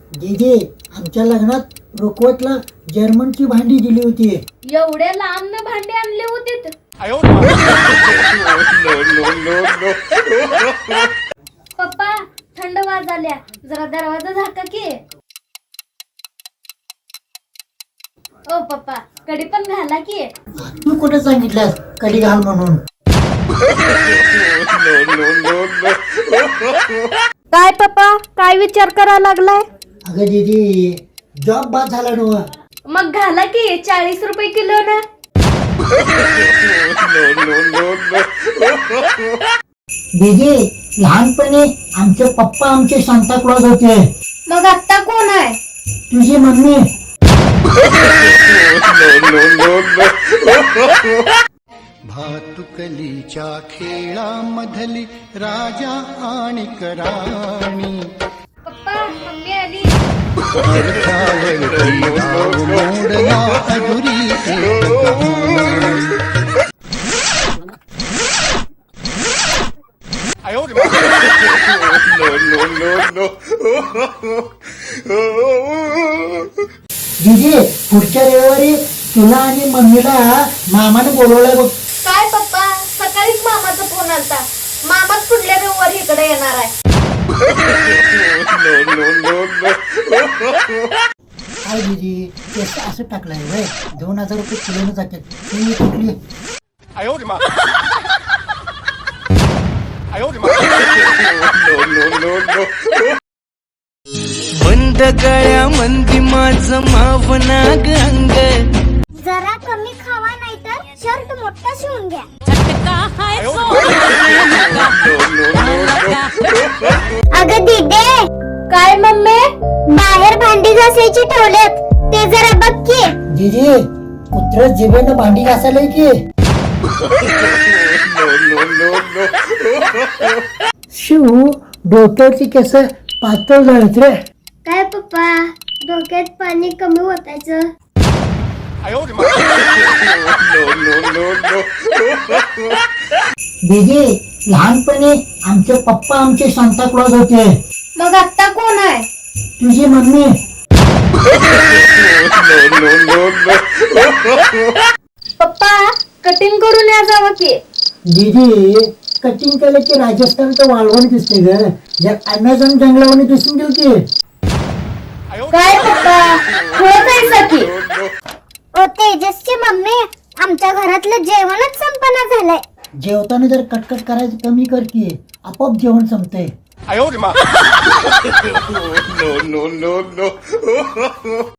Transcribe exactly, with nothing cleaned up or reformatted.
दीदी आमच्या लग्नात रुकवतला जर्मनची भांडी दिली होती. एवढ्या लांब भांडे आणले होते. पप्पा थंड वाजाल्या, जरा दरवाजा झाका की. ओ पप्पा कडी पण घाला की. तू कुठे सांगितलंस कडी घाल म्हणून? काय पप्पा काय विचार करायला लागलाय? अगं दीदी जॉब बाद झाला नव. मग घाला की, चाळीस रुपये किलो ना. दीदी लहानपणी आमचे पप्पा आमचे सांता क्लॉज होते. मग आता कोण आहे? तुझी मम्मी. भातुकलीच्या खेळामधली राजा आणि राणी पप्पा मम्मी आली. अर्थावरती नाव मोडला अधुरी एक कहाणी. दीदी पुढच्या रविवारी तुला आणि मम्मीला मामाने बोलवलंय बघ. काय पप्पा सकाळीच मामाचा फोन आलता. मामाच पुढल्या रविवारी इकडे येणार आहे. काय दीदी केस असं टाकलंय वय दोन हजार रुपये किलोने जातात. तुम्ही कुठली? बंद गळ्या मंदी माझं मावनाग अंग. जरा कमी खावा नाही तर शर्ट मोठा शिवून घ्या. अगं दीदे काय मम्मी? बाहेर भांडी घासायची ठेवलेत ते जरा बघ की. दीदी कुत्र जिभेनं भांडी घासायला की. शिव डोक्यावरची केस पातळ झालीत रे. काय पप्पा डोक्यात पाणी कमी ओतायचं. दीदी लहानपणी आमचे पप्पा आमचे सांता क्लॉज होते. मग आता कोण आहे? तुझी मम्मी. पप्पा कटिंग करून या जावं की. दीदी कटिंग केलं की राजस्थानचं वाळवण दिसते ग. जर अमेझॉन जंगलावणी दिसून गेल की. काय पप्पा खुळत आहेसा की? ओ तेजसची मम्मी आमच्या घरातलं जेवणच संपन्न झालंय. जेवताना जर कटकट करायचं कमी कर की आपोआप जेवण संपतंय.